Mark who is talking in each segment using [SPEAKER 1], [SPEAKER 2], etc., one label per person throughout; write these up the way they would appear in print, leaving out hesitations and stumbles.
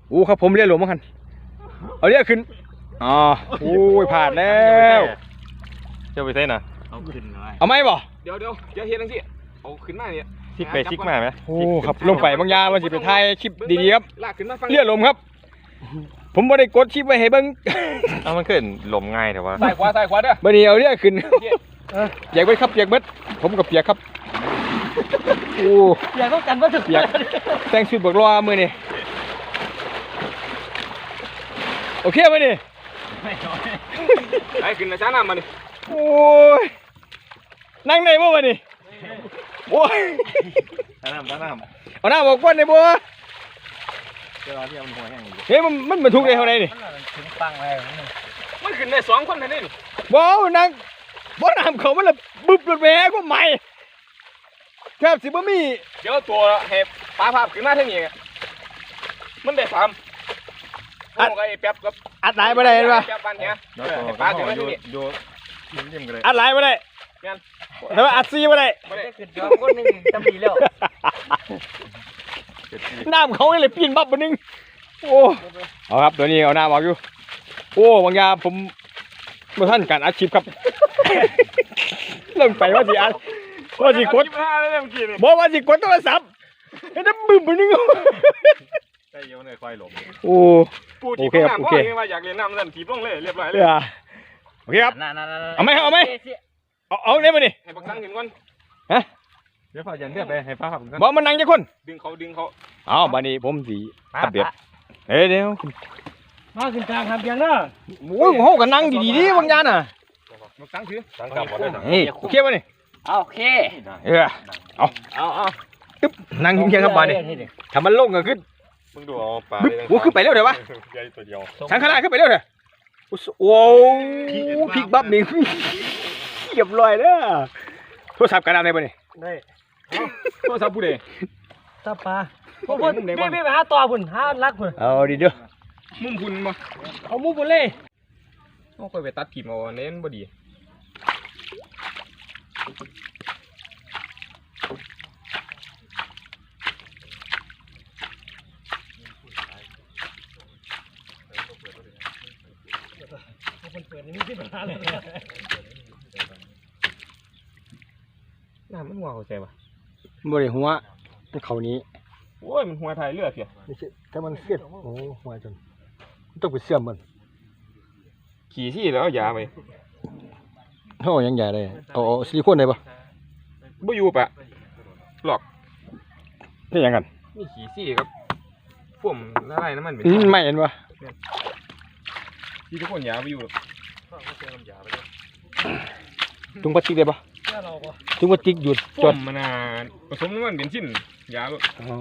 [SPEAKER 1] โอ้ครับผมเรียกหลวงมั้งคันเอาเรียกขึ้นอ๋อโอ้ยผ่านแล้ว
[SPEAKER 2] เจ้าไปใส่น่ะ
[SPEAKER 3] เอาขึ้นหน่อย
[SPEAKER 1] เอาไหมบ่
[SPEAKER 4] เดี๋ยวเฮ็ดจังซี่เอาขึ้นมาเนี่ย
[SPEAKER 2] ซิกไปซิกมาไหม
[SPEAKER 1] โอ้ครับลงไปบางยาว่าสิไปถ่ายคลิปดีๆครับ
[SPEAKER 4] ลากขึ้นมาฟัง
[SPEAKER 1] เรียกหลวงครับ ผมบ่ได้กดคลิปไว้ให้เบิ่ง
[SPEAKER 2] เอามันขึ้นลมง่ายแต่ว่า
[SPEAKER 4] ซ้ายขวาเด้อ
[SPEAKER 1] บัดนี้เอาเรียกขึ้นเปียกเบิดครับเปียกเบิดผมกับเปียกครับโอ้
[SPEAKER 3] อยากต้องกันว่าถึง
[SPEAKER 1] เปียกแต่งชุดบักรอมื้อนี้โอเคมั้ยนี่
[SPEAKER 4] ไอ้ขึ้นนะจ้าน้ำมาดิ
[SPEAKER 1] โอ้ยนั่งไหนบ่วะนี่โอ้ย
[SPEAKER 2] น้ำ
[SPEAKER 1] เอาหน้าบอกก้นได้บ่
[SPEAKER 2] เจ้าที่มันหัวแห้งอยู่
[SPEAKER 1] เฮ้ยมันบรรทุกได้เท่าไหร่นี่
[SPEAKER 3] ถึงปังเลย
[SPEAKER 4] มันขึ้นได้2คนเท่านี้นี่
[SPEAKER 1] บ่นั่งบ่น้ำเขามันละบึบรถแหวก็ใหม่แทบสิบ่มี
[SPEAKER 4] เดี๋ยวตัวเห็บปลาภาพขึ้นมาทางนี้มันได้3โอ้ไอ้แป๊บกับ
[SPEAKER 1] อัดหลายบ่ได้เห็นป่ะ
[SPEAKER 4] แป๊บบ้านเนี้ย
[SPEAKER 2] แล้ว
[SPEAKER 4] ให้
[SPEAKER 2] ป
[SPEAKER 4] ป
[SPEAKER 2] ลา
[SPEAKER 4] ลา
[SPEAKER 2] ถึ
[SPEAKER 4] ขึ้
[SPEAKER 2] ง
[SPEAKER 4] น
[SPEAKER 2] มา
[SPEAKER 4] มา
[SPEAKER 2] อ
[SPEAKER 4] ทางนี้
[SPEAKER 2] ยู่กันเลย
[SPEAKER 1] อัดหลายบ่ได้
[SPEAKER 4] งั้น
[SPEAKER 1] แต่ว่าอัดซีบ่ได้
[SPEAKER 4] บ่ได้
[SPEAKER 3] ขึ้นยอมคนนึงจำดีแล้ว
[SPEAKER 1] น้ำเขาเลยปีนบับบ่นึงโอ้เอาครับตัวนี้เอาน้ำออกอยู่โอ้บางยาผมบ่ทันการอัดคลิปครับ ลงไปว่าสิอัดว่าสิกด
[SPEAKER 4] 25เลยเมื่อกี้นี่
[SPEAKER 1] บอกว่าสิกดโทรศัพท์ไอ้น้ำบึ้มบ่นึง
[SPEAKER 2] ใส่เยอะเลยควายหลม
[SPEAKER 1] โอ้
[SPEAKER 4] ปูที่น้ำพ่อยังว่าอยากเรียนน้ำนั่นถีบลงเลยเรียบร้อยเลย
[SPEAKER 1] โอเคครับ เอาไหมเอาได้มาดิ
[SPEAKER 4] ให้บักสังขึ้นก่อน
[SPEAKER 2] เดี๋ยวพอยันเลือดไปให้ป้าขับกัน
[SPEAKER 1] บอกมันนั่งจะคน
[SPEAKER 4] ดึงเขา
[SPEAKER 1] เอาบัดนี้ผมสีอัปเดตเดี๋ยว
[SPEAKER 3] มาขึ้นกลางทำยังเนาะ
[SPEAKER 1] โอ้ยโหกันนั่งดีๆดิบางยานน่ะ
[SPEAKER 4] บักสังถือ
[SPEAKER 2] ตั้งกลับหมดเลย
[SPEAKER 1] นี่โอเคป่ะนี่
[SPEAKER 3] โอเค
[SPEAKER 1] เอาตึ๊บนั่งเงียบๆครับบัดนี้ถ้ามันลงก็ขึ้น
[SPEAKER 2] มึงดูเอาปลา
[SPEAKER 1] บึ๊บโอ้ขึ้นไปเร็วเดี๋ยววะ
[SPEAKER 2] ใหญ่ตัวเดียว
[SPEAKER 1] ทางข้างหน้าขึ้นไปเร็วเดี๋ยวโอ้พลิกบับนี่เรียบร้อยแล้วโทรศัพท์กันอะไรป่ะนี่
[SPEAKER 3] ได้
[SPEAKER 4] โทรศัพท์ผู้ใด
[SPEAKER 3] ตาปลาพวกพี่ไปหาต่อพุ่นหารักพุ่น
[SPEAKER 1] เอาดีเด้อ
[SPEAKER 4] มุมพุ่นบ่
[SPEAKER 3] เอามุ้งพุ่นเลย
[SPEAKER 4] เอาค่อยไปตัดถิ่มเอาเน้นบ่ดี
[SPEAKER 3] คนเปิดนี่มีปัญหาเลย
[SPEAKER 4] น้ำมันหัวเข้าใจป่ะ
[SPEAKER 1] บ่ได้หัวเขานี้
[SPEAKER 4] โอ้ยมันหัวไทยเลือดเสีย
[SPEAKER 1] ไม่ใช่แต่มันเสียดโอ้หัวจนต้องไปเสื่อมมัน
[SPEAKER 4] ขี่ที่แล้วเอายาไป
[SPEAKER 1] โอ้ยังใหญ่เลยเอาซิลิโคนได้ปะ
[SPEAKER 4] บ่อยู่ปะหลอก
[SPEAKER 1] นี่ยังกัน
[SPEAKER 4] มีขี่ซี่ครับพ่วมละลายน้ำมันเป็น
[SPEAKER 1] ไม่เห็นปะ
[SPEAKER 4] ที่ทุกคนยาไปอยู่หรอก
[SPEAKER 1] ถุงพลาสติกได้ปะ
[SPEAKER 3] เราปะ
[SPEAKER 1] ถุงพลาสติกหยุดจ
[SPEAKER 4] พ่ว
[SPEAKER 1] ด
[SPEAKER 4] มมันผสมน้ำมันเป็นชิ้นยาแบบ
[SPEAKER 1] อ๋อ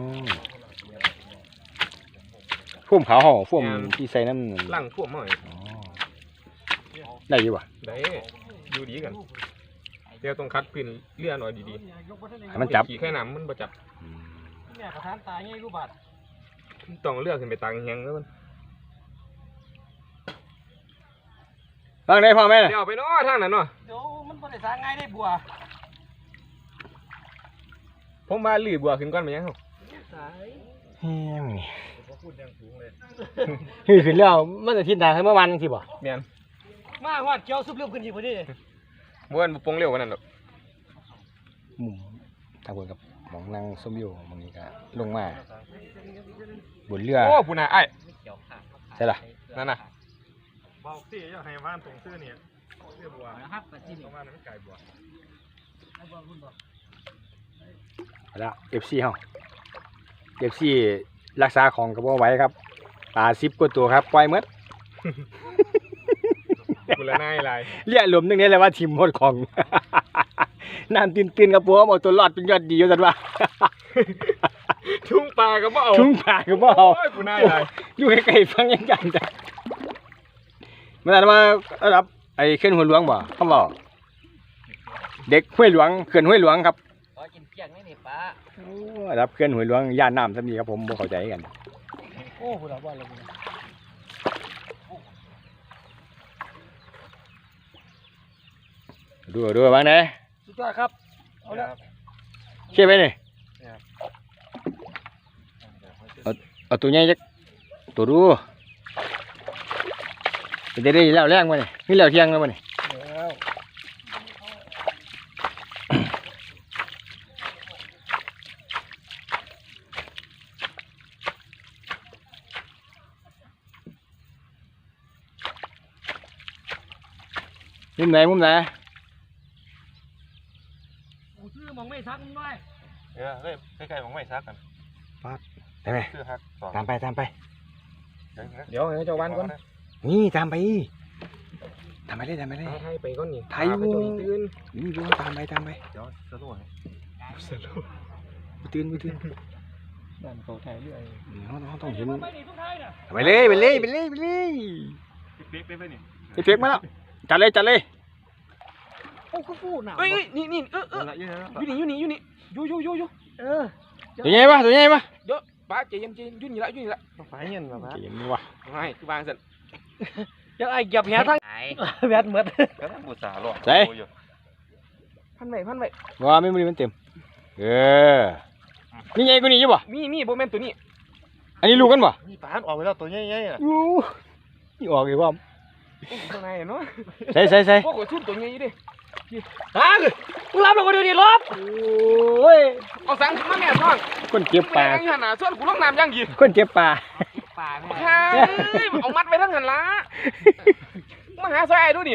[SPEAKER 1] พ่วมขาวห่อพ่วมที่ใส่นั่น
[SPEAKER 4] ล่างพ่วมหน่อย
[SPEAKER 1] อ๋อได้อยู่ปะ
[SPEAKER 4] ได้ดูดีกันเดี๋ยวต้องคัดพื้นเลื่อนหน่อยดี
[SPEAKER 1] ให้มันจับ
[SPEAKER 4] ขี่แค่น้ำมันบ่จับ
[SPEAKER 3] เนี่ยประธานตายไงกูบาด
[SPEAKER 4] ต้องเลือกขึ้นไปตังแหงแล้วมัน
[SPEAKER 1] ฟังได้พ่อแม่
[SPEAKER 4] เดี๋ยวไปเนาะทางนั้นเนาะ
[SPEAKER 3] เดี๋ยวมันบ่ได้สร้างง่ายได้บัว
[SPEAKER 4] ผมมาลือบัวขึ้นก่อนไปยังครับ
[SPEAKER 3] สาย
[SPEAKER 1] เฮ้ยมึงนี่เฮ้ยขึ้นแล้วมันจะทิศทางให้เมื่อวานสิบ่
[SPEAKER 4] เมียน
[SPEAKER 3] มาฮอดเกี่ยวซุบเรียบขึ้นอีกพอดี
[SPEAKER 4] บ้วนบ่ปงเร็วกว่านั้นหรอก
[SPEAKER 1] มุมทางบนกับหมองนั่งส้มอยู่มองนี้ก็ลงมาบนเรือ
[SPEAKER 4] โอ้ผู้น่ะไอ้
[SPEAKER 1] ใช่ล่ะ
[SPEAKER 4] นั่นน่ะ
[SPEAKER 2] บอกสิอยากให้บ้านตรงซื่อเนี่ยเรียบบัว
[SPEAKER 3] นะครับปัจจุบัน
[SPEAKER 2] บ้านนั้นไก่บัว
[SPEAKER 1] เอาละ FC เฮา FC รักษาของกับบ่ไหว้ครับปลา10กว่าตัวครับปล่อยหมด
[SPEAKER 4] ผู้ละนายหลาย
[SPEAKER 1] เรียกหลุมนึงนี่แหละว่าทีมหมดของ น้ำตื่นๆครับผมเอาตัวรอดเป็นยอดดีอยู่ซั่นว่า
[SPEAKER 4] ทุ่งปลาก็บ่เอา
[SPEAKER 1] ทุ่งป่าก็บ่เอา
[SPEAKER 4] โอ้ยผู้นายหลาย
[SPEAKER 1] อยู่ใกล้ๆฟังยังกันจ้ะมันอาจมาระดับไอ้เขื่อนห้วยหลวงบ่คำเว้าเด็กห้วยหลวงเขื่อนห้วยหลวงครับ
[SPEAKER 3] ขอกินเพียงนี่ป้า
[SPEAKER 1] โอ้ระดับเขื่อนห้วยหลวงย่านน้ำซะนี่ครับผมบ่เข้าใจกัน
[SPEAKER 3] โอ้พุ่นละบ่เลย
[SPEAKER 1] ดูบ้างเด้
[SPEAKER 3] สุดยอดครับเอาละ
[SPEAKER 1] เชี่ยไปนี่เอาตัวใหญ่จักตัวดูจะได้แล้วแรงมาเนี่ยนี่แล้วเที่ยงแล้วมาเนี่ยมุมไหนมุมไหน
[SPEAKER 3] ชื่อมองไม่ซักมึงด้วย
[SPEAKER 2] เฮ้ยใกล้ๆของไม่ซักกัน
[SPEAKER 1] ได้ไหม
[SPEAKER 2] คือฮักสอง
[SPEAKER 1] ตามไปตามไป
[SPEAKER 4] เดี๋ยวให้เจ้าวันก่อน
[SPEAKER 1] นี่ตามไปตามไปเลยตามไปเลย
[SPEAKER 4] ให้ไปก่อนนี่
[SPEAKER 1] ไทย
[SPEAKER 4] ไป
[SPEAKER 1] วู
[SPEAKER 4] จนตื่น
[SPEAKER 1] นี่ดูตามไปตามไป
[SPEAKER 2] เดี๋ยวสรุปให้
[SPEAKER 1] ตื่นไม่ตื่น
[SPEAKER 4] บ้านเขาไทยเรื่อย
[SPEAKER 1] เขาต้องเห็น
[SPEAKER 3] ไปนี่ทุกท้ายน่ะ
[SPEAKER 1] ไปเลยไปเลยไปเลยไปเลย
[SPEAKER 2] เป๊กได้ไหมนี่
[SPEAKER 1] ไอ้เฟียกมาแล้วจัดเลยจัดเลย
[SPEAKER 3] โอ้ฟูหนาว
[SPEAKER 4] เอ้ยนี่อยู่นี่อยู่
[SPEAKER 1] ตัวใหญ่ปะตัวใหญ่ปะ
[SPEAKER 4] เดี๋ยวป้าใจเย็นยุ่นนี่ละยุ่นนี่ละ
[SPEAKER 2] ไปเงี้ยมา
[SPEAKER 1] เก่งวะ
[SPEAKER 4] ไม่คือบางสัน
[SPEAKER 3] ยังไอ้เหยียบแหทั้งแบดเหมือน
[SPEAKER 2] ก็ต้องบูชาหรอก
[SPEAKER 4] พันไว้
[SPEAKER 1] ว่าไม่มันเต็มนี่ไงกูนี่อยู่ปะ
[SPEAKER 4] มีโบแมนตัวนี้
[SPEAKER 1] อันนี้ลูกกันปะ
[SPEAKER 2] นี่ปานออกไปแล้วตัวใหญ่ๆอ่ะ
[SPEAKER 1] ยูนี่ออกอีกว่า
[SPEAKER 4] ข้างในเนาะ
[SPEAKER 1] ใส่ใส่ใส่
[SPEAKER 4] พวกหัวทุ่มตัวใหญ่ดิ
[SPEAKER 3] ฮะมึงรับลงมาดูดิลบโอ้ย
[SPEAKER 4] เอาสังมาแม่ท้อง
[SPEAKER 1] คนเก็บปลา
[SPEAKER 4] แม่ยังหันหน้าส่วนกูลงน้ำยังยี
[SPEAKER 1] คนเก็บปลา
[SPEAKER 3] ป่าแม่
[SPEAKER 4] ใช่เอามัดไปทั้งหันละมาหาซอยดูดิ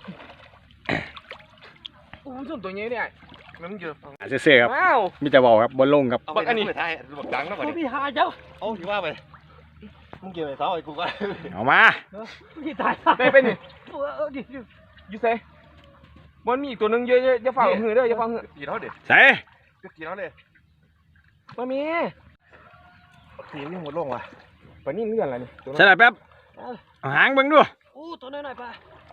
[SPEAKER 4] โอ้ส่วนตัวใหญ่เนี่ยมันเยอะ
[SPEAKER 1] เสื้อครับ
[SPEAKER 4] ว้าว
[SPEAKER 1] มีแต่บอกครับบนลงครับ
[SPEAKER 2] เอาไปนี่ไทยบักดังแล้วก่อน
[SPEAKER 3] พี่หาเจ้า
[SPEAKER 2] เอาอยู่ว่าไปมึงเกี่ยวไอ้เสาไอ้กูก็
[SPEAKER 1] เอามา
[SPEAKER 3] พี่ตาย
[SPEAKER 4] ไปนี่
[SPEAKER 3] ดิ
[SPEAKER 4] อยู่ไสมันมีอีกตัวหนึงเยอะๆอย่าฝ่าหือเด้ออย่าฝ่าหือ
[SPEAKER 2] กี่เท่าเด็ด
[SPEAKER 1] ใส่
[SPEAKER 2] กี่เท่าเด็ด
[SPEAKER 4] มามี
[SPEAKER 2] ทีนี่หมดลงว่ะ
[SPEAKER 4] ปนี่เลื่อนอะไรนี่ตัว
[SPEAKER 1] ใส่หน่อยแป๊บเอาหางเบิ่งดู
[SPEAKER 3] โอ้ตัวน้อยๆป่ะ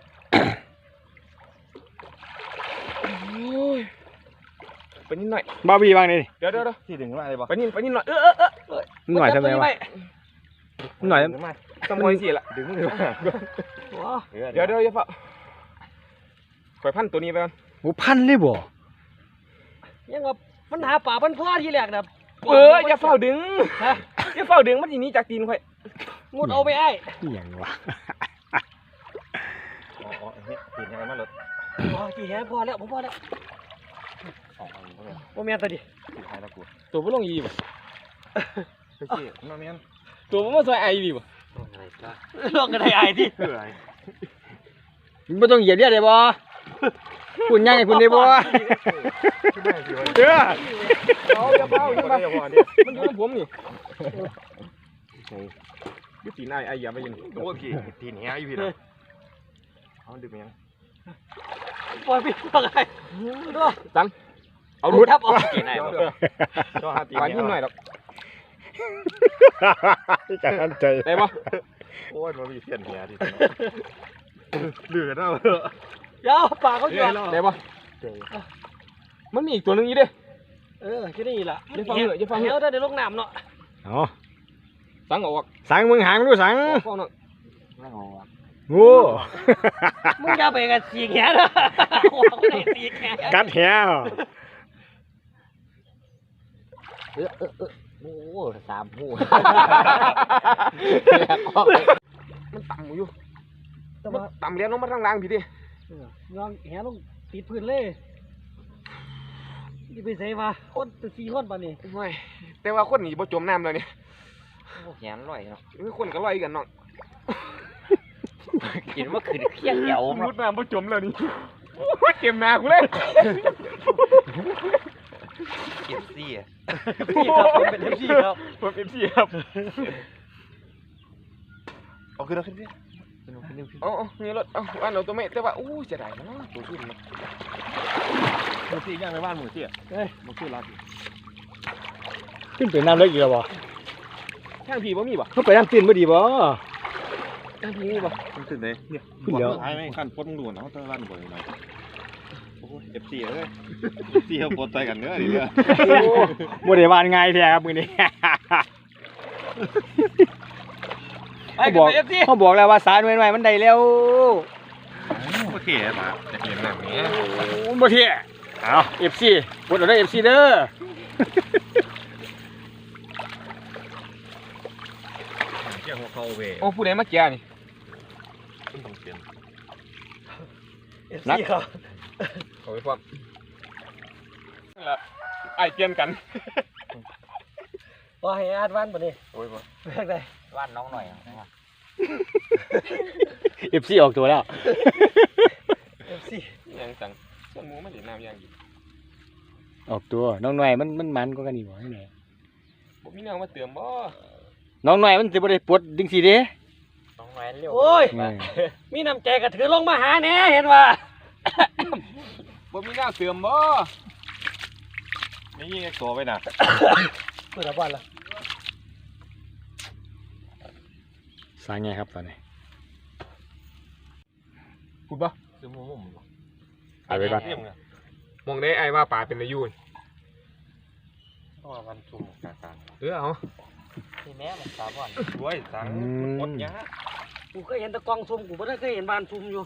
[SPEAKER 4] ปนี่หน่อย
[SPEAKER 1] บาร์บี้บ้างนี่
[SPEAKER 4] เดี๋ยว
[SPEAKER 2] ที่ดึงมาเลยบ่
[SPEAKER 4] ปนี่หน่อย
[SPEAKER 1] หน่อยทำไมวะหน่อย
[SPEAKER 2] ดึงมา
[SPEAKER 4] สมอยสิละ
[SPEAKER 2] ดึงมา
[SPEAKER 4] เดี๋ยวอย่าฝ่าข่อยพันตัวนี้ไปก่อน
[SPEAKER 1] โอ้พันเลยบ่
[SPEAKER 3] ยังว่ามันหาป่ามันพ่อที่แรกนะ
[SPEAKER 4] อย่าเฝ้าดึง
[SPEAKER 3] ฮะ
[SPEAKER 4] อย่าเฝ้าดึงมันทีนี้จากตีนข่อย
[SPEAKER 3] งดเอาไปไอ้
[SPEAKER 1] นี่อย่างวะ
[SPEAKER 2] อ๋อนี่ตีนยังไงมาเลย
[SPEAKER 3] พอกี่แห่พอแล้วผมพอแล้ว
[SPEAKER 2] ออกมาเลย
[SPEAKER 3] โมเมียนตัวดิ
[SPEAKER 2] ตีนไทยแล้วกู
[SPEAKER 4] ตัวบ่ลงยีบ่
[SPEAKER 2] เฮ้ยน้องเมียน
[SPEAKER 4] ตัวบ่มาซอยไอดีบ่
[SPEAKER 3] ลองกันได้ไอ้ที่
[SPEAKER 2] เฮ้ย
[SPEAKER 1] ไม่ต้องเหยียดเรียดเลยบ่คุณยังไงคุณได้บ่เด้อ
[SPEAKER 4] เอาอย่าเฝ้าอย่าเฝ้ามันอยู่กับผมนี่ยุตินไออย่าไปยิน
[SPEAKER 2] โอ้พี่ตีนเหี้ยอยู่พี่นะเอาดึงยัง
[SPEAKER 3] ปล่อยพี่ปล่อยไอ้ดู
[SPEAKER 4] เอารุด
[SPEAKER 3] ทับออกกินไอ้
[SPEAKER 2] ก็หาตีน
[SPEAKER 4] ปานยิ่งหน่อยหรอก
[SPEAKER 1] จังใจ
[SPEAKER 4] ได้บ่
[SPEAKER 2] โอ้ยมันมีเสียนเหี้ยดิเหลือแล้ว
[SPEAKER 3] เดี๋ยวป่าเขาหยอด
[SPEAKER 4] ได้บ่มันมีอีกตัวนึงอยู่เด้
[SPEAKER 3] แค่นี้ล่ะ
[SPEAKER 4] อย่าฟังเหอะอย่าฟังเหอะ
[SPEAKER 3] เดี๋ยวลงน้ำเนาะ
[SPEAKER 1] อ๋อ
[SPEAKER 4] สังออก
[SPEAKER 1] สั่งมึงหางดูสั่ง
[SPEAKER 4] ฟ้องเนาะ
[SPEAKER 1] โง่
[SPEAKER 3] มึงอย่าไปกันสีแขนนะหัวก็ได้สีแขน
[SPEAKER 1] กัดแหว
[SPEAKER 3] โอ้สามหู
[SPEAKER 4] มันต่ำอยู่มันต่ำเลี้ยงลงมาทางล่างพี่ดิ
[SPEAKER 3] ลองแหลงติดพื้นเลยนี่ไปใส่มาคนตัวสี่คนป่ะนี่
[SPEAKER 4] ไม่แต่ว่าคนหนีบ่จมน้ำเลยนี่
[SPEAKER 3] แขนลอยเนาะ
[SPEAKER 4] คนก็ลอยกันเนาะ
[SPEAKER 3] กินว่าคือเคี้ยงเหี่ยว
[SPEAKER 4] มุดน้ำบ่จมแล้วนี่เก็บหน้ากูเลย
[SPEAKER 3] เก็บซี่อ่ะพี่ครับเป็นเอฟซีครับ
[SPEAKER 4] ผมเอฟซีครับ
[SPEAKER 2] เอาขึ้นเอาขึ้นพี่
[SPEAKER 4] เอานี่รถเอาบ้านเราตัวไม่แต่ว่าอู้เสียดายนะตัวขึ้นนะ
[SPEAKER 2] หมูซี่ย่างในบ้านหมูซี่หมูซี่รัก
[SPEAKER 1] ขึ้นไปน้ำเล็กอีกแล้วบ่
[SPEAKER 4] ทางพี่บ่มีบ่
[SPEAKER 1] เขาไปน้ำตื้นบ่ดีบ่
[SPEAKER 4] ทางพี่มีบ่
[SPEAKER 2] มันตื่นเลยเนี่ยท้ายไหมขั้นพ้นด่วนเอาตะวันบ่อยหน่อยโอ้ย FC เอ้ย FC เขาปนใจกันเนื้อดิเนี่ย
[SPEAKER 1] บ่ได้วานง่ายแท้ครับมื้อนี้ เขาบอกแล้วว่าสารใหม่ๆมันได้แล้ว
[SPEAKER 2] โอเคมาจะเห็นแบบนี้
[SPEAKER 1] บ่เท่เอา FC กดเอาได้ FC เด้อ
[SPEAKER 2] เกี่ยวจากหัวเขาเว้ย
[SPEAKER 4] โอ้ผู้ใดมาแก่นี่
[SPEAKER 2] ขึ้นต้องเปลี่ยน
[SPEAKER 3] นักเขา
[SPEAKER 4] เขาไปพร้อมนั่นล่ะไอ้เปลี่ยนกัน
[SPEAKER 3] ว่าให้อาดวันบ่นี่
[SPEAKER 4] โอ้ยบ่
[SPEAKER 3] เลือกได้
[SPEAKER 5] วันน้องหน่อย
[SPEAKER 1] FC ออกตัวแล้ว
[SPEAKER 3] FC
[SPEAKER 4] ยังสั่งส่วนหมูมันเห็นน้ำอย่างดี
[SPEAKER 1] ออกตัวน้องหน่อยมันกว่ากันอีกบ่ให้ไหน
[SPEAKER 4] บ่มีแนวมาเติมบ่
[SPEAKER 1] น้องหน่อยมันสิบ่ได้ปวดจังซี่เด้
[SPEAKER 5] น้องหน่อยเร็ว
[SPEAKER 3] โอ้ย
[SPEAKER 1] อืม
[SPEAKER 3] มีน้ำใจก็ถือลงมาหาแหน่เห็นว่า
[SPEAKER 4] บ่มีแนวเติมบ่
[SPEAKER 2] ไม่ยิงไอ้ตัวไปน่ะ
[SPEAKER 3] เปิดบ้านละ
[SPEAKER 1] สร้างไงครับตอนนี้
[SPEAKER 4] พูดบ่
[SPEAKER 2] ซื้อมุมบ่
[SPEAKER 1] เอาไปก่อน
[SPEAKER 2] เยี่ยมไง
[SPEAKER 4] มองได้ไอ้ว่าป่าเป็นอายุน
[SPEAKER 2] เพราะว่าวันชุ่มกลาง
[SPEAKER 4] เอา
[SPEAKER 5] ที่แม่มันสาวก่อน
[SPEAKER 2] ๆด้วยสังหมดยา
[SPEAKER 3] กูเคยเห็นแตะกองซุ่มกูบ่ได้เคยเห็นบ้านซุ่มอยู่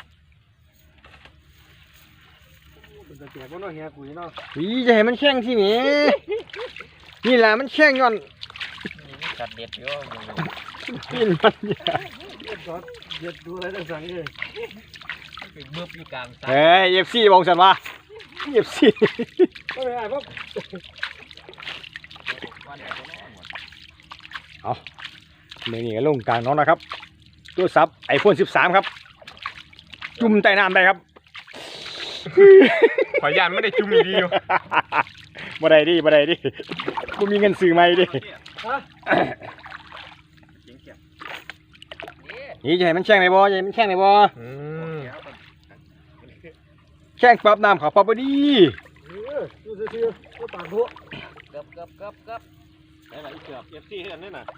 [SPEAKER 3] เป็นตะเกียบบ่เนาะเฮียกูนี่เนาะ
[SPEAKER 1] อีจะให้มันแข็งที่นี่ นี่ล่ะมันแข็งย้อน
[SPEAKER 5] มีจัดเด็ดเยอะมึง
[SPEAKER 1] กินมันอย่า
[SPEAKER 3] เด็ดรถเด็ดดูอะไรต่างๆเลย
[SPEAKER 5] เป็นเบื้อบอยู่กลางสาย
[SPEAKER 1] เฮ้ย FC บอกซั่นว่า FC
[SPEAKER 3] ก็ไม่ได้เพราะ
[SPEAKER 5] วันไหนก็นอนหมด
[SPEAKER 1] มื้อนี้ก็ลงกลางน้องนะครับตัวซับ iPhone 13 ครับ จุ่มใต้น้ำได้ครับ
[SPEAKER 4] ขอยยานไม่ได้จุ่มอีดีอยู่
[SPEAKER 1] บ่ได้ดิบ่มีเงินซื้อใหม่ดิ
[SPEAKER 3] ฮะ
[SPEAKER 1] นี่จะให้มันแข็งได้บ่จะให้มันแข็งได้บ่
[SPEAKER 4] อืม
[SPEAKER 1] แข็งปรับน้ำเขาปรับบ่ดี
[SPEAKER 3] ดูซื่อๆก็ปากหัว
[SPEAKER 5] เกือบ
[SPEAKER 2] ได้หลายเกือบFC เห็นนี่น่ะ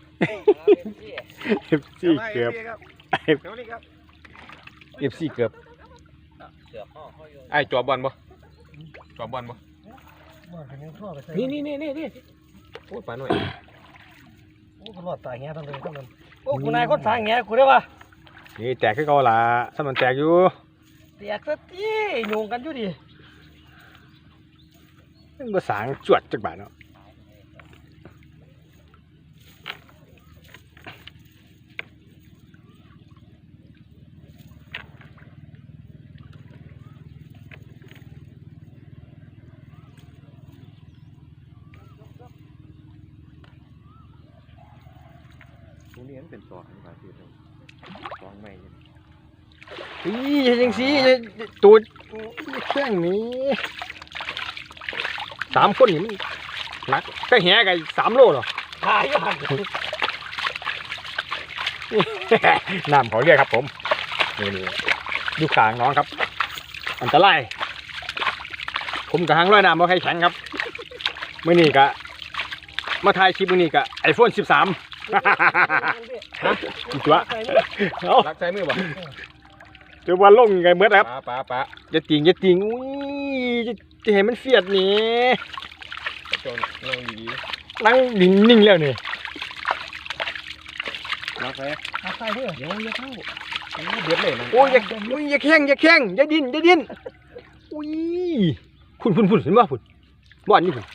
[SPEAKER 1] FC เกือบ
[SPEAKER 2] เดี๋ยวนี้ครับ
[SPEAKER 1] FC เกือบ
[SPEAKER 5] เกือบห่อเขาอยู่
[SPEAKER 4] ไอ้จอบอลบ่จอบอลบ่
[SPEAKER 3] บ้านเป็นยังทั่วไปใส่
[SPEAKER 4] นี่โอ้ยป่าหน่อย
[SPEAKER 3] โอ้กูรอดตายแง่ทั้งเลยทั้งนั้นโอ้กูนายคนสายแง่กูได้ป่ะ
[SPEAKER 1] นี่แตกคือเก่าล่ะถ้ามันแตกอยู่
[SPEAKER 3] แตกซะที่โยงกันอยู่ดิ
[SPEAKER 1] มันบ่สางจวดจักบาทเนาะ
[SPEAKER 2] ตรงนี้มันเป็นตัวของหลายที่เลยตัวใหม่
[SPEAKER 1] อีจังซี่ตัวแข็งนี้3คนนี่มันหนักแต่แหก็3โลเหรอ
[SPEAKER 3] หายอยู่หัน
[SPEAKER 1] น้ำเขาเรียกครับผมนี่ดูขางน้องครับ อันตรายผมกับหางร้อยน้ำบ่ใครแข็งครับมื้อนี้ก็มาถ่ายคลิปมื้อนี้ก็ iPhone 13อีกตัวเอา
[SPEAKER 4] รักใจมือบ่
[SPEAKER 1] เดี๋ยววันลงยังไงเมื่อครับ
[SPEAKER 4] ป่า
[SPEAKER 1] อย่าติงอุ้ยจะเห็นมันเฟียดนี่
[SPEAKER 4] จนนั่งดี
[SPEAKER 1] นั่งนิ่งๆแล้วนี่
[SPEAKER 2] มาใส่
[SPEAKER 3] หาใส่เด้อ
[SPEAKER 4] ๆเดี๋ยวอย่าเข้าเดือดเลยนะ
[SPEAKER 1] โอ้ยอย่าแข้งอย่าดิ้นอุ้ยพุ่นเห็นบ่พุ่นบ่อนนี่พุ่น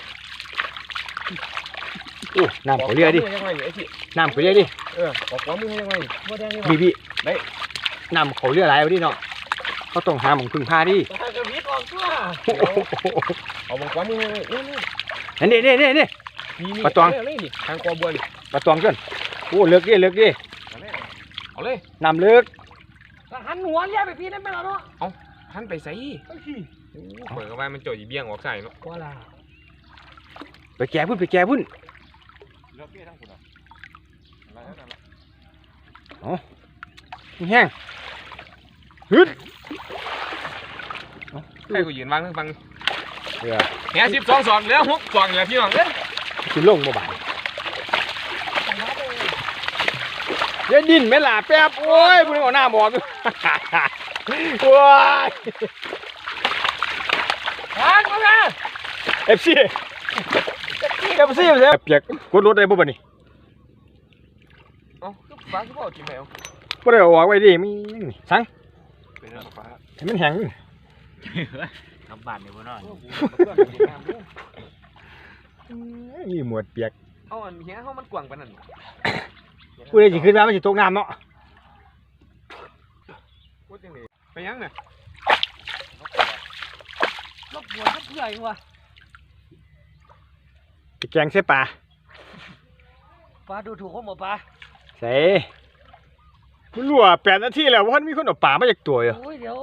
[SPEAKER 1] โอ้น้ำเขาเรียดิ
[SPEAKER 4] ยังไงไอ้ที่
[SPEAKER 1] น้ำเขาเรียดิ
[SPEAKER 4] ออกขวามือยังไง
[SPEAKER 3] บ่แดงนี่
[SPEAKER 1] พี่น้ำเขาเรียอะไรวะดิเนาะเขาต้องหาหมองพึ่งพาดิ
[SPEAKER 3] บ่ถ้ากระพริบออกตัว
[SPEAKER 4] เอาขวามือนี่
[SPEAKER 1] นี่ปลาตอง
[SPEAKER 4] นี่ทางกอบวน
[SPEAKER 1] ปลาตองเกินโอ้เลิกดิ
[SPEAKER 4] เอาเลย
[SPEAKER 1] น้ำเลิก
[SPEAKER 3] หันหัวเลี้ยไปพี่นั่นไปแล้วเนาะ
[SPEAKER 4] หันไปใส่เปิดเข้าไปมันจ่อยเบี้ยงออกใส่เนาะ
[SPEAKER 3] ว่าล่ะ
[SPEAKER 1] ไปแก่พุ่น
[SPEAKER 2] เลือกเบี้ยทั้งคุณอ่ะอะไรนั่นล่ะ
[SPEAKER 1] แห้งฮึด
[SPEAKER 4] ใครกูยืนวางฟัง
[SPEAKER 1] เดี๋ยว
[SPEAKER 4] แห12 2เหลือ6 2อย่าพี่น้องเอ้ย
[SPEAKER 1] สิลงบ่บาดเดี๋ยวดิ้นแม่ล่ะแป๊บโอ้ยพุ่นเอาหน้าบอกอยู่ โอ้ย
[SPEAKER 3] หันมา
[SPEAKER 1] FC เสียเปียกกดรถได้บ่บัดนี้
[SPEAKER 4] เอ้าก็ฟ้าคือบ่กินแมว
[SPEAKER 1] บ่ได้เอาออกไว้ดิมีนี่สั่ง
[SPEAKER 2] เป็นเรื่องฟ้า
[SPEAKER 1] ให้มันแห้ง
[SPEAKER 5] กลับบ้านเดี๋ยวบ่นอน
[SPEAKER 1] นี่หมวดเปียก
[SPEAKER 4] เอาอันเหี้ยเฮามันกว้างปานนั้น
[SPEAKER 1] กูเลยสิขึ้นมามันสิตกน้ำเนาะ
[SPEAKER 2] พูดจังได๋ไปยังน่ะ
[SPEAKER 3] รบกวนเพื่อนว่ะ
[SPEAKER 1] ไปแกงเสียปลา
[SPEAKER 3] ปลาดูถูกเขาหมดปลา
[SPEAKER 1] ใส่มันรั่ว8 นาทีแล้วว่ามีคนเอาปลามาจากตัวอยู่
[SPEAKER 3] โอ้ยเดี๋ยว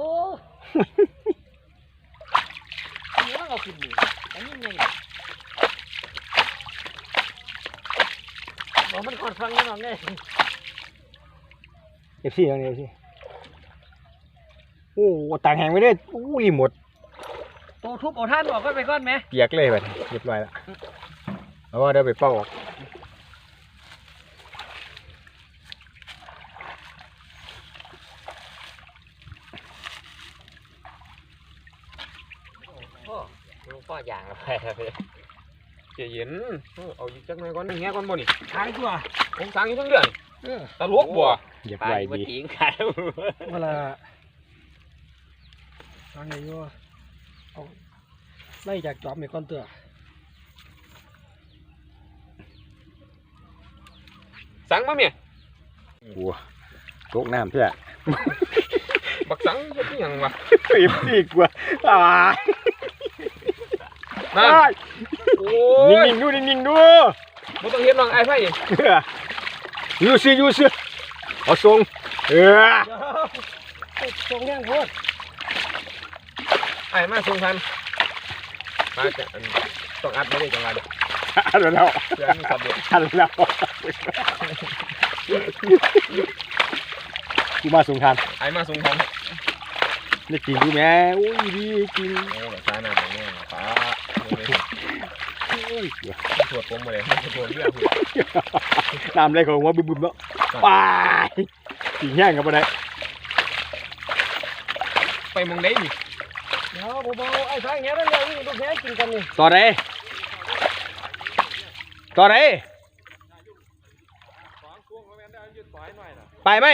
[SPEAKER 3] ต้องเอาขึ้นดิอันนี้ไงบอกมันก่อนฟังกันหน่อยไง
[SPEAKER 1] FC ตรงนี้ FC โอ้ต่างแหงไปเลยอู้รีโมท
[SPEAKER 3] โตทุบเอาท่านออกก็ไปก้อนไหม
[SPEAKER 1] เปียกเลยแบบเรียบร้อยแล้วแล้วก็เดี๋ยวไปเป่าออก
[SPEAKER 5] ลูกพ่ออย่างละไปครับพี่
[SPEAKER 2] ใจเย็นเอาอีกจักหน่อยก่อนแฮะก่อนบ่นี่
[SPEAKER 3] ทางตัว
[SPEAKER 2] ผมสั่งอยู่ทั้งเดือนตลกบ่
[SPEAKER 1] เหยียบ
[SPEAKER 5] ไป
[SPEAKER 1] ไหล
[SPEAKER 5] มา
[SPEAKER 1] ดี
[SPEAKER 5] ทิ้งขาย
[SPEAKER 3] เวลาทางไหนอยู่เอาไล่จากจอบในก้อนเตือ
[SPEAKER 2] สั่งมาเมีย
[SPEAKER 1] โอ้ตกน้ำเพื่อ
[SPEAKER 2] บักสั่งเฮ็ดอีหยังวะ
[SPEAKER 1] ปีบดีกว่าอ่า
[SPEAKER 2] นั่นโอ้ย
[SPEAKER 1] นิ่งๆดูนิ่งๆดู
[SPEAKER 2] บ่ต้องเฮ็ดน้องไอ้ไผ
[SPEAKER 1] ยูซื้อเอาทรง
[SPEAKER 3] เดี๋ยวตรงแง่งโพด
[SPEAKER 2] ไอ้มาส่งทันมาจะต้องอัดไม่ได้จังหวะเด้อ
[SPEAKER 1] อันแล้ว
[SPEAKER 2] เพื่อมีสับเด็ด
[SPEAKER 1] อันแล้วกูมาส่งทาน
[SPEAKER 2] ไอ้มาส่งทัน
[SPEAKER 1] นี่กินดูแม่อุ้ยดีกิน
[SPEAKER 2] โอ้แบบซ่าหน้าแบบนี้ป้าตรวจผมมาเลยตรวจเรื่อง
[SPEAKER 1] น้ำอะไรของว่าบึ้มๆเนาะไปกินแห้งกันไปไหน
[SPEAKER 2] ไปมองได้นี่
[SPEAKER 3] เดี๋ยวผมเอาไอ้ทางแง่นั่นเลยนี่ลูกแง่กินกันนี่
[SPEAKER 1] ต่อไหนไปไหม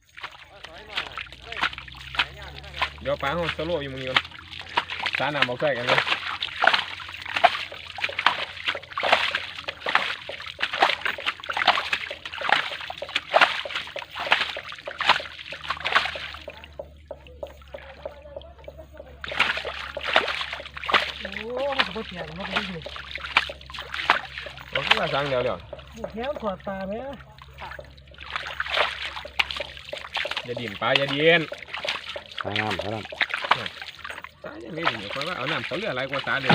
[SPEAKER 2] เดี๋ยวป้าเขาสโลอยู่มึงก่อนซ่าหน้าบอกใส่กันเลย
[SPEAKER 3] โอ้มันจะไปแข่งมันก็ดี
[SPEAKER 2] เราขึ้นมาสั่งเดี๋ยว
[SPEAKER 3] ลูกแง่ถอดตาไหม
[SPEAKER 2] อย่าดิ่มป้าอย่าเดียน
[SPEAKER 1] สายน้ำ
[SPEAKER 2] ซ่าอย่าไม่ดิ่มเพราะว่าเอาน้ำเขาเลืออะไรกว่าซ่าเดี๋ยว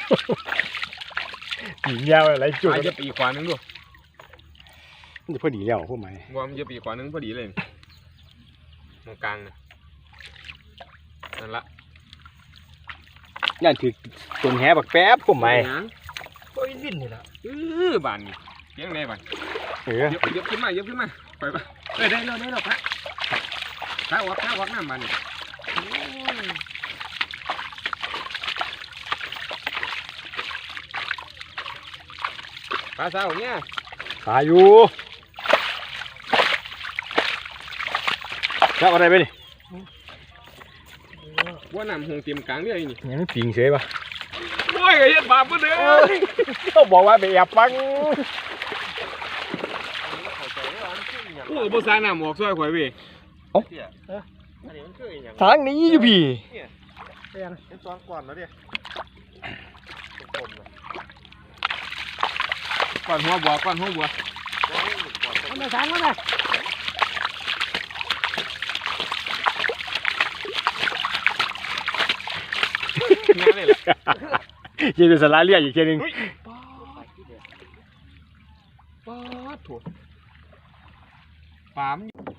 [SPEAKER 1] กินยาวอะไรจุด
[SPEAKER 2] ป้าจะปีขวานึงดู
[SPEAKER 1] มันจะพอดีแล้วพวกไหม
[SPEAKER 2] ว่ามันจะปีขวานึงพอดีเลยตรงกลางนั่นละ
[SPEAKER 1] ย่านถือต้นแหบักแป๊บพวกไหม
[SPEAKER 3] โอ้ยลิ้นนี่แหละ
[SPEAKER 2] บ้านนี่เพียงไหนบ้าน
[SPEAKER 1] เออ
[SPEAKER 2] ยกขึ้นมาไปปะได้แล้วปะข้าววักน้ำมันปลาสาวเนี่ย
[SPEAKER 1] ตายอยู่แล้วอะไรไปนี่
[SPEAKER 2] ว่าน้ำหงเต็มกลางเลยนี่
[SPEAKER 1] ยังไม่ปิงเฉยปะ
[SPEAKER 2] โอ้ยไอ้เฮ็ดบาปเพื่อนเด้อ
[SPEAKER 1] เขาบอกว่าไปแอบฟัง
[SPEAKER 2] โอ้ภาษาน้ำออกซอยข่อยเว้ย
[SPEAKER 4] อันนี้มันคืออีหยัง
[SPEAKER 1] ทางนี้อยู่พี่
[SPEAKER 4] เป็นซ้อนก่อนแล้วดิ
[SPEAKER 2] ก่อนหัวบัว
[SPEAKER 3] มันมาสั่งแล้วนะ
[SPEAKER 2] งานเลยแหละ
[SPEAKER 1] ยังเป็นสาระเรียกอีกทีหนึง
[SPEAKER 2] ป้าถั่วปาม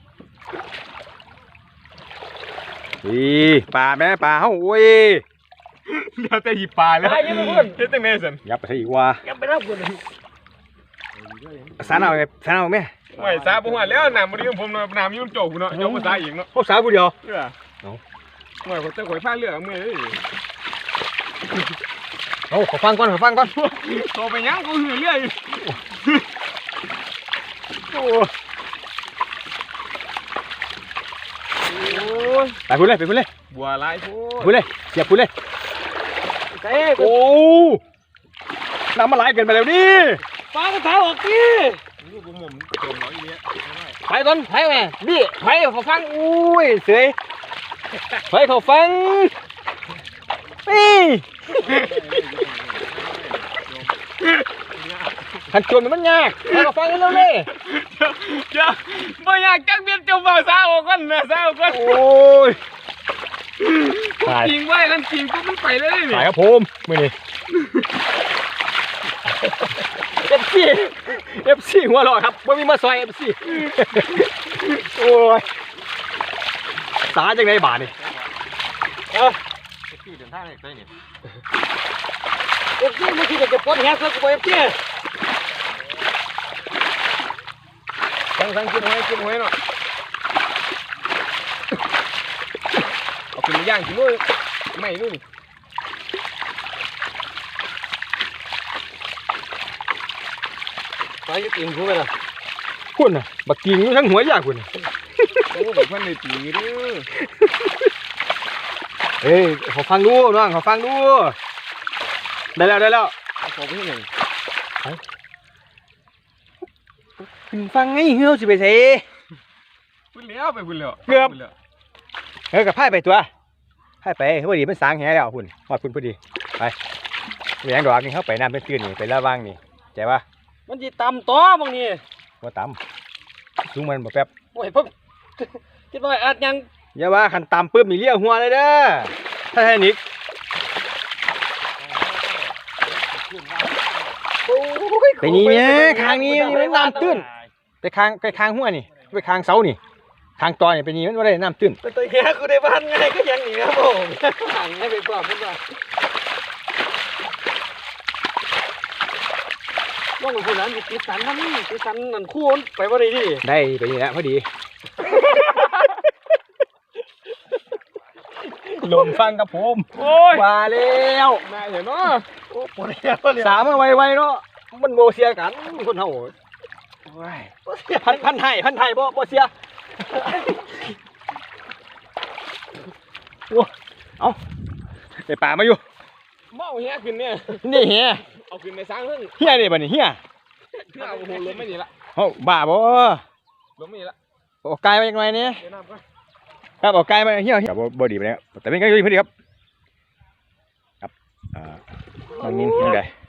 [SPEAKER 1] ปลาแม่ปลาเฮ้าโอ้ย
[SPEAKER 2] เดี๋ยวแต่หยิบปลาแล้ว
[SPEAKER 3] ไปยังไม่พูด
[SPEAKER 2] เฮ็ดตั้งแน่สัน
[SPEAKER 1] ยับไปซะอีกว่า
[SPEAKER 3] ยังไปรับคนเลย
[SPEAKER 1] สารเอาไงสารเอาไหม
[SPEAKER 2] ไว้ซาบ่ฮอดแล้วน้ำบ่ดีของผมเนาะน้ำอยู่โจกเนาะเจ้าภาษาเองเนาะ
[SPEAKER 1] พวกสาวผู้เดียว
[SPEAKER 2] เออหน่อยคนเจ้าข่อยพาเรือมื้อนี้
[SPEAKER 1] เอาขอฟังก่อน
[SPEAKER 2] โตไปยังกูหือเรืออยู่
[SPEAKER 1] โอ้ไปพูดเลย
[SPEAKER 2] บัวลายโพด
[SPEAKER 1] พูดเลยเสียบพูดเลย
[SPEAKER 3] เต้
[SPEAKER 1] โอ้น้ำมาไหลเกินไปแล้วนี่
[SPEAKER 3] ปลากระถาออกดิ
[SPEAKER 1] ป
[SPEAKER 2] ลูกมุมโดนน้อยเนี้ย
[SPEAKER 1] ไปก่อนไปแม่นี่ไปเขาฟังอุ้ยเสยไปเขาฟังนี่ขันจวนมันยากไปเขาฟังกันแล้วเลย
[SPEAKER 4] เดี๋ยวบ่อยากจักเบียดเจ้าบ่าวสาวก่อนนะสาวก่อน
[SPEAKER 1] โอ้ยตาย
[SPEAKER 4] จริงไว้กันจริงก็มันไปเลยนี่
[SPEAKER 1] ตายครับผมมือนี่เอฟซีหัวเราะครับไม่มีมาซอยเอฟซีโอ้ยสาจังไงบาทนี่
[SPEAKER 2] พี่เดินทางได้เนี่ย
[SPEAKER 3] เอฟซีไม่คิดจะปลดแฮกแล้วกูเอฟซี
[SPEAKER 4] สั่งกินหอยเนาะเอาขึ้นมาย่างกินด้วยไม่นู่น
[SPEAKER 3] ไปยึดอิงกูไปละ
[SPEAKER 1] คุณน่ะบักกิ่งอยู่ทั้งหัวยากคุณน่ะ
[SPEAKER 4] โอ้แบบมันในปีนี้ด้วย
[SPEAKER 1] เอ้ยขอฟังดูน้องขอฟังดูได้แล้ว
[SPEAKER 4] ขอไปที่หนึ่ง
[SPEAKER 1] ฟังไงเฮียวสิไปใส่
[SPEAKER 4] พุ่นแล้วไปพุ่นแล้ว
[SPEAKER 1] เฮ้ยกับไพ่ไปตัวไพ่ไปพอดีมันสางแหแล้วคุณหอดคุณพอดีไปแหวงดอกนี่เขาไปน้ำเป็นตื้นนี่ไประวังนี่ใจปะ
[SPEAKER 3] มันจีตำต่อบางนี่
[SPEAKER 1] ว่าต่ำสูงมันบ่แป๊บ
[SPEAKER 3] โอ้ยพ่อคิดว่าอาจยัง
[SPEAKER 1] อย่าว่าขันต่ำปุ๊บมีเลี้ยวหัวเลยเด้อถ้าแค่นิกไปนี่เนี่ยคางนี้มันน้ำตื้นไปคางหัวนี่ไปคางเสานี่คางตอนี่ไปนี่มันว่าได้น้ำตื้น
[SPEAKER 3] เป็นตัวแฮกกูได้บ้านไงก็ยังหนีครับผมห่างให้ไปกว่าพุ่นว่าว่างคนนั้นติดสันนั่นติดสันนั่นคู่ไปว่าได้ดิ
[SPEAKER 1] ได้ไปนี่แหละพอดีลมฟังกับผม
[SPEAKER 4] โอ้ย
[SPEAKER 1] ว่าแล้ว
[SPEAKER 4] นายเห็นเนาะ
[SPEAKER 3] โอ้ปวดแฮกเลย
[SPEAKER 1] สามมาไวๆเนาะมันโบเสียกันคนเฮาพันไทยบ่เสียโอ้เอาไอ้ป่ามาอยู่
[SPEAKER 4] เมาเฮียขึ้นเนี่ย
[SPEAKER 1] นี่เฮีย
[SPEAKER 4] เอาขึ้นในสร้างเพิ่ง
[SPEAKER 1] เฮียนี่บ่นี่เฮีย
[SPEAKER 4] เพื่อเอาโหล้มไม่ดีละ
[SPEAKER 1] เฮาบ้าบ่
[SPEAKER 4] ล้มไม่ดีละ
[SPEAKER 1] เอาไกลมาจังหน่อยนี่
[SPEAKER 4] เดี๋ยวน้ำก่อน
[SPEAKER 1] ครับเอาไกลมาเฮียบ่ดีไปแล้วแต่เป็นก็อยู่พอดีครับครับบางนินยังไง